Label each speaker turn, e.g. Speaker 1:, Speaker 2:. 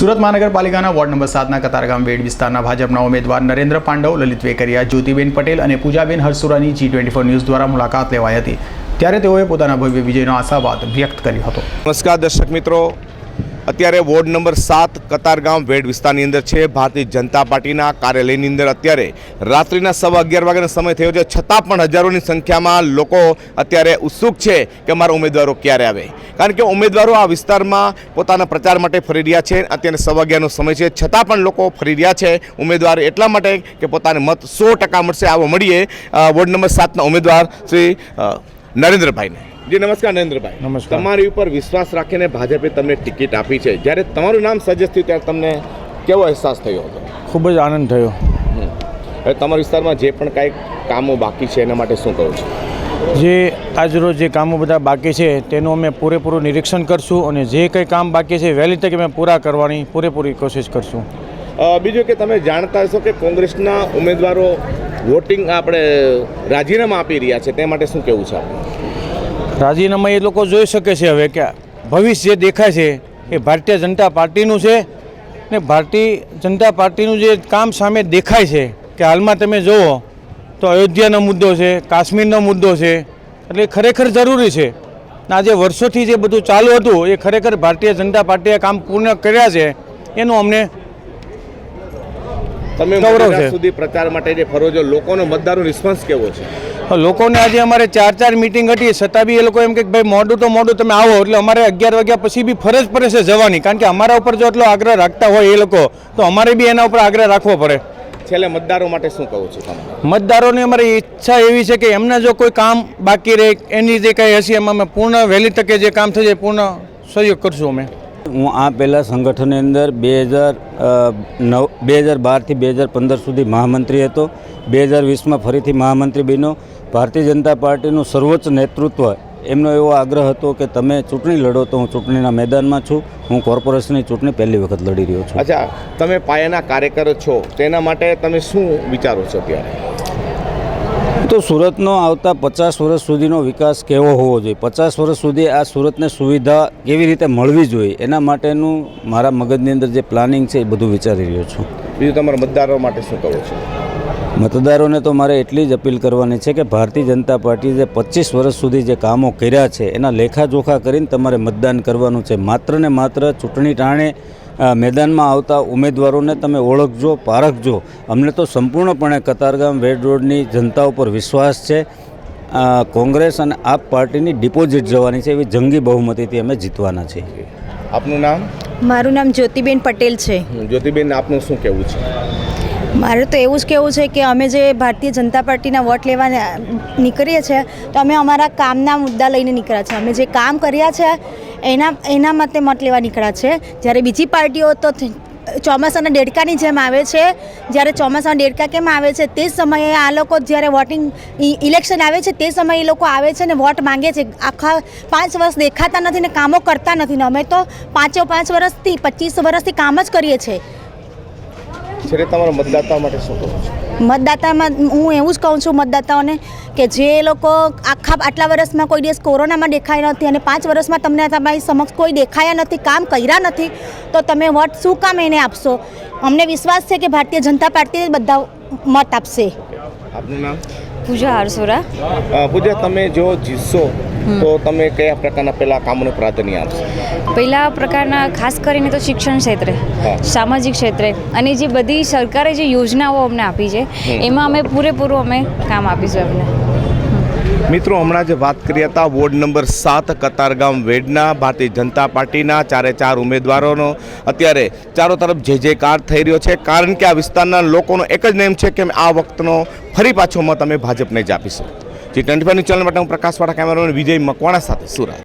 Speaker 1: સુરત મહાનગરપાલિકાના ward number 7ના કતારગામ વેડ વિસ્તારના ભાજપના ઉમેદવાર નરેન્દ્ર પાંડવ, લલિત વેકરિયા, જ્યોતિબેન પટેલ અને પૂજાબેન હરસુરાની G24 ન્યૂઝ દ્વારા મુલાકાત લેવાઈ હતી। ત્યારે તેઓએ પોતાના ભવ્ય વિજયનો આશાવાદ વ્યક્ત કર્યો હતો।
Speaker 2: નમસ્કાર દર્શક મિત્રો, અત્યારે વોર્ડ નંબર 7 કતારગામ વેડ વિસ્તારની અંદર છે। ભારતીય જનતા પાર્ટીના કાર્યાલયની અંદર અત્યારે રાત્રિના 11:15 વાગ્યાનો સમય થયો છે, છતાં પણ હજારોની સંખ્યામાં લોકો અત્યારે ઉત્સુક છે કે અમારા ઉમેદવારો ક્યારે આવે, કારણ કે ઉમેદવારો આ વિસ્તારમાં પોતાના પ્રચાર માટે ફરી રહ્યા છે। અત્યારે 11:15નો સમય છે, છતાં પણ લોકો ફરી રહ્યા છે ઉમેદવાર એટલા માટે કે પોતાને મત 100% મળશે। આવો મળીએ વોર્ડ નંબર 7ના ઉમેદવાર શ્રી નરેન્દ્રભાઈને। જી નમસ્કાર નરેન્દ્રભાઈ।
Speaker 3: નમસ્કાર।
Speaker 2: તમારી ઉપર વિશ્વાસ રાખીને ભાજપે તમને ટિકિટ આપી છે, જ્યારે તમારું નામ સજેસ્ટ થયું ત્યારે તમને કેવો અહેસાસ થયો હતો?
Speaker 3: ખૂબ જ આનંદ થયો।
Speaker 2: હવે તમારા વિસ્તારમાં જે પણ કાંઈ કામો બાકી છે એના માટે શું કહો છો?
Speaker 3: જે આજરોજ જે કામો બધા બાકી છે તેનું અમે પૂરેપૂરું નિરીક્ષણ કરશું અને જે કંઈ કામ બાકી છે વહેલી તકે અમે પૂરા કરવાની પૂરેપૂરી કોશિશ કરશું।
Speaker 2: બીજું કે તમે જાણતા હશો કે કોંગ્રેસના ઉમેદવારો વોટિંગ આપણે રાજીનામા આપી રહ્યા છે, તે માટે શું કહેવું છે આપણે?
Speaker 3: રાજીનામા એ લોકો જોઈ શકે છે હવે કે ભવિષ્ય જે દેખાય છે એ ભારતીય જનતા પાર્ટીનું છે ને ભારતીય જનતા પાર્ટીનું જે કામ સામે દેખાય છે કે હાલમાં તમે જુઓ તો અયોધ્યાનો મુદ્દો છે, કાશ્મીરનો મુદ્દો છે, એટલે ખરેખર જરૂરી છે। આજે વર્ષોથી જે બધું ચાલુ હતું એ ખરેખર ભારતીય જનતા પાર્ટીએ કામ પૂર્ણ કર્યા છે, એનું અમને
Speaker 2: તમે
Speaker 3: ગૌરવ છે।
Speaker 2: સુધી પ્રચાર માટે જે ફરો છો, લોકોનો મતદારનો રિસ્પોન્સ કેવો છે?
Speaker 3: લોકોને આજે અમારે 4 મીટિંગ હતી, છતાં બી એ લોકો એમ કે ભાઈ મોડું તો મોડું તમે આવો, એટલે અમારે 11 વાગ્યા પછી બી ફરજ પડે છે જવાની, કારણ કે અમારા ઉપર જો એટલો આગ્રહ રાખતા હોય એ લોકો તો અમારે બી એના ઉપર આગ્રહ રાખવો પડે।
Speaker 2: છેલ્લે મતદારો માટે શું કહો છો તમે?
Speaker 3: મતદારોની અમારી ઈચ્છા એવી છે કે એમના જો કોઈ કામ બાકી રહે, એની જે કંઈ હશે એમાં અમે પૂર્ણ વહેલી તકે જે કામ થઈ જાય પૂર્ણ સહયોગ કરશું અમે।
Speaker 4: હું આ પહેલાં સંગઠનની અંદર 2012થી 2015 સુધી મહામંત્રી હતો। 2020માં ફરીથી મહામંત્રી બન્યો। ભારતીય જનતા પાર્ટીનું સર્વોચ્ચ નેતૃત્વ એમનો એવો આગ્રહ હતો કે તમે ચૂંટણી લડો, તો હું ચૂંટણીના મેદાનમાં છું। હું કોર્પોરેશનની ચૂંટણી પહેલી વખત લડી રહ્યો છું।
Speaker 2: અચ્છા, તમે પાયાના કાર્યકર છો, તેના માટે તમે શું વિચારો છો ત્યારે?
Speaker 4: તો સુરતનો આવતા 50 વર્ષ સુધીનો વિકાસ કેવો હોવો જોઈએ, 50 વર્ષ સુધી આ સુરતને સુવિધા કેવી રીતે મળવી જોઈએ, એના માટેનું મારા મગજની અંદર જે પ્લાનિંગ છે એ બધું વિચારી રહ્યો છું।
Speaker 2: બીજું તમારા મતદારો માટે શું કહો છો?
Speaker 4: મતદારોને તો મારે એટલી જ અપીલ કરવાની છે કે ભારતીય જનતા પાર્ટીએ જે 25 વર્ષ સુધી જે કામો કર્યા છે એના લેખાજોખા કરીને તમારે મતદાન કરવાનું છે। માત્ર ને માત્ર ચૂંટણી ટાણે મેદાનમાં આવતા ઉમેદવારોને તમે ઓળખજો, પારખજો। અમને તો સંપૂર્ણપણે કતારગામ વેડ રોડની જનતા ઉપર વિશ્વાસ છે। કોંગ્રેસ અને આપ પાર્ટીની ડિપોઝિટ જવાની છે, એવી જંગી બહુમતીથી અમે જીતવાના છીએ।
Speaker 2: આપનું નામ?
Speaker 5: મારું નામ જ્યોતિબેન પટેલ છે।
Speaker 2: જ્યોતિબેન, આપનું શું કહેવું છે?
Speaker 5: મારે તો એવું જ કહેવું છે કે અમે જે ભારતીય જનતા પાર્ટીના વોટ લેવા નીકળીએ છીએ તો અમે અમારા કામના મુદ્દા લઈને નીકળ્યા છે। અમે જે કામ કર્યા છે એના માટે મત લેવા નીકળ્યા છે। જ્યારે બીજી પાર્ટીઓ તો ચોમાસાના દેડકાની જેમ આવે છે। જ્યારે ચોમાસાના દેડકા કેમ આવે છે તે સમયે આ લોકો જ્યારે વોટિંગ ઇલેક્શન આવે છે તે સમયે એ લોકો આવે છે ને વોટ માંગે છે। આખા 5 વર્ષ દેખાતા નથી ને કામો કરતા નથી ને અમે તો 5 વર્ષથી 25 વર્ષથી કામ જ કરીએ છીએ।
Speaker 2: છેલ્લે તમારા મતદાતા માટે શું કહો છો?
Speaker 5: મતદાતામાં હું એવું જ કહું છું મતદાતાઓને કે જે લોકો આટલા વર્ષમાં કોઈ દિવસ કોરોનામાં દેખાયા નથી અને 5 વર્ષમાં તમને તમારી સમક્ષ કોઈ દેખાયા નથી, કામ કર્યા નથી, તો તમે વોટ શું કામ એને આપશો? અમને વિશ્વાસ છે કે ભારતીય જનતા પાર્ટી બધા મત આપશે।
Speaker 2: આપનું નામ?
Speaker 6: પૂજા હરસોરા।
Speaker 2: પૂજા, તમે જો જીતશો તો તમે કયા પ્રકારના પહેલા કામોને પ્રાધાન્ય આપશો?
Speaker 6: પહેલા પ્રકારના ખાસ કરીને તો શિક્ષણ ક્ષેત્રે, સામાજિક ક્ષેત્રે અને જે બધી સરકારે જે યોજનાઓ અમને આપી છે એમાં અમે પૂરેપૂરું અમે કામ આપીશું એમને।
Speaker 2: મિત્રો, હમણાં જે વાત કરી હતા વોર્ડ નંબર 7 કતારગામ વેડના ભારતીય જનતા પાર્ટીના 4 ઉમેદવારોનો અત્યારે ચારો તરફ જયકાર થઈ રહ્યો છે, કારણ કે આ વિસ્તારના લોકોનો એક જ નેમ છે કે આ વખતનો ફરી પાછો મત અમે ભાજપને જ આપીશું। G24 ચેનલ માટે હું પ્રકાશવાળા કેમેરામેન વિજય મકવાણા સાથે સુરત।